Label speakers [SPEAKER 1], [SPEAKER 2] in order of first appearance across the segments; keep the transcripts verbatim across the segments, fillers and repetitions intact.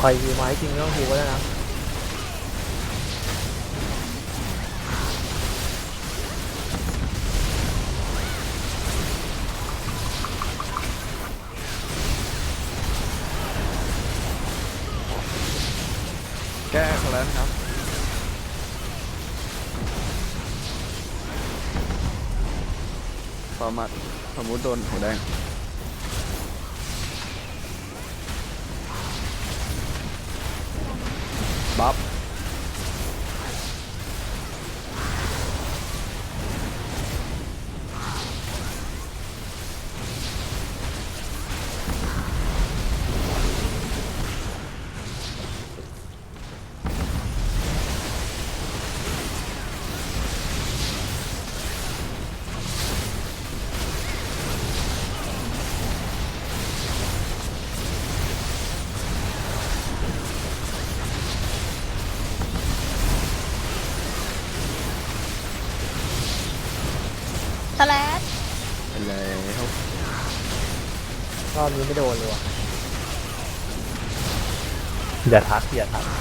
[SPEAKER 1] คอยฮิวไม้จริงไม่ต้องฮิวก็ได้นะ
[SPEAKER 2] แก้เขาแล้วนะครับฟอร์มัดสมมุติโดนหัวแดงบัฟ
[SPEAKER 3] สแลด
[SPEAKER 2] ไปแล้ว
[SPEAKER 1] รอบนี้ไม่โดนเลยว่ะอย่าทักอย่าทัก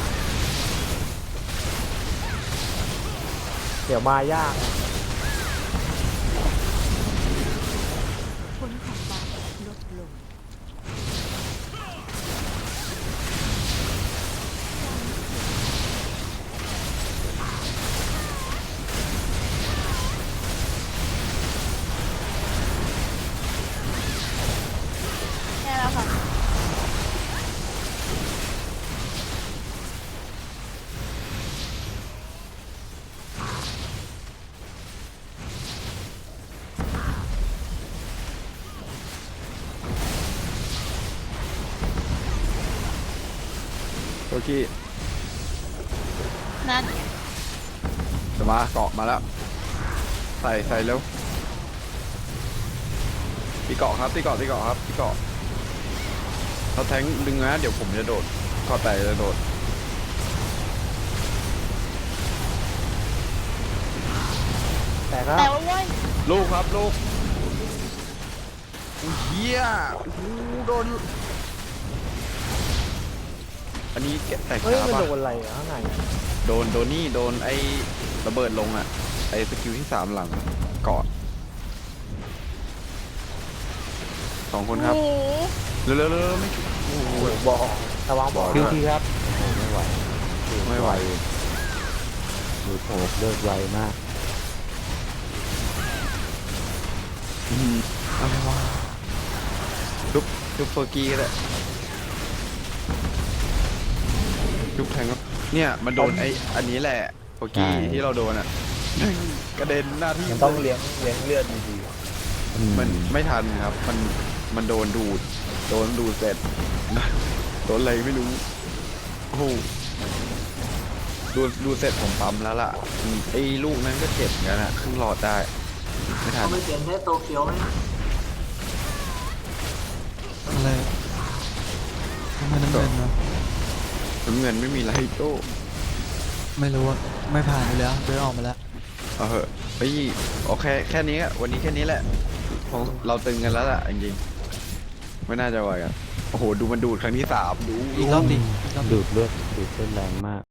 [SPEAKER 1] เดี๋ยวมายาก
[SPEAKER 3] ผลของบาปลดลงแค่แล้วค่ะ
[SPEAKER 2] โอเค
[SPEAKER 3] นั่น
[SPEAKER 2] จะมาเกาะมาแล้วใส่ใส่เร็วตีเกาะครับตีเกาะตีเกาะครับตีเกาะเขาแทงดึงนะเดี๋ยวผมจะโดดเกาะแต่จะโดด
[SPEAKER 1] แต่ก็
[SPEAKER 3] แต่ว่าเว้ย
[SPEAKER 2] ลูกครับลูกอุ้ยเฮียโอ้โหโดนอันนี้แกะแตก
[SPEAKER 1] เฮ้ย
[SPEAKER 2] ขา
[SPEAKER 1] มัน
[SPEAKER 2] ปะ
[SPEAKER 1] โดนอะไรอ่ะข้างใน
[SPEAKER 2] โดนโดนนี่โดนไอ้ระเบิดลงอ่ะไอ้สกิลที่สามหลังเกาะสองคนครับ
[SPEAKER 3] หมู
[SPEAKER 2] เร็วเร็วเร็วเร็วไม่ชุบโอ้โห
[SPEAKER 1] โอ้โหบอกระวังบอก
[SPEAKER 4] คิว
[SPEAKER 1] นะ
[SPEAKER 4] ทีครับโอ้ไม่ไหว
[SPEAKER 2] ไม่ไหว
[SPEAKER 4] ดูโผล่เลิกไวมาก
[SPEAKER 2] อืมอะไรวะชุบชุบเฟอร์กี้ก็ได้ชุบแทงครับเนี่ยมันโดนไอ้อันนี้แหละเฟอร์กี้ที่เราโดนอ่ะกระเด็นหน้าที่
[SPEAKER 1] มันต้องเลี้ยงเลี้ยงเลือดดี
[SPEAKER 2] มันไม่ทันครับ มันมันโดนดูด โดนดูดเสร็จ โดนอะไรไม่รู้ โอ้โหดูดดูดเสร็จผมปั๊มแล้วล่ะอืมไอ้ลูกนั้นก็เจ็บเหมือนกันอะครึ่งหลอดได้ ไม่ทัน
[SPEAKER 5] เขาไม่เปลี่ยนแค่โตเกียวไหม
[SPEAKER 4] อะไรทำไมน้ำเงินวะ
[SPEAKER 2] น้ำเงินไม่มีไรโต้
[SPEAKER 4] ไม่รู้ว่าไม่ผ่านไปแล้วเดินออกมาแล้ว
[SPEAKER 2] เอาเหอะเฮ้ยโอเคแค่นี้อะวันนี้แค่นี้แหละของเราตึงกันแล้วล่ะจริงๆไม่น่าจะไหวกันโอ้โห ดูมันดูดครั้งที่สามดู
[SPEAKER 4] อีกรอบดิอีกรอบดิ
[SPEAKER 6] ดูดเลือดดูดเลือดแรงมาก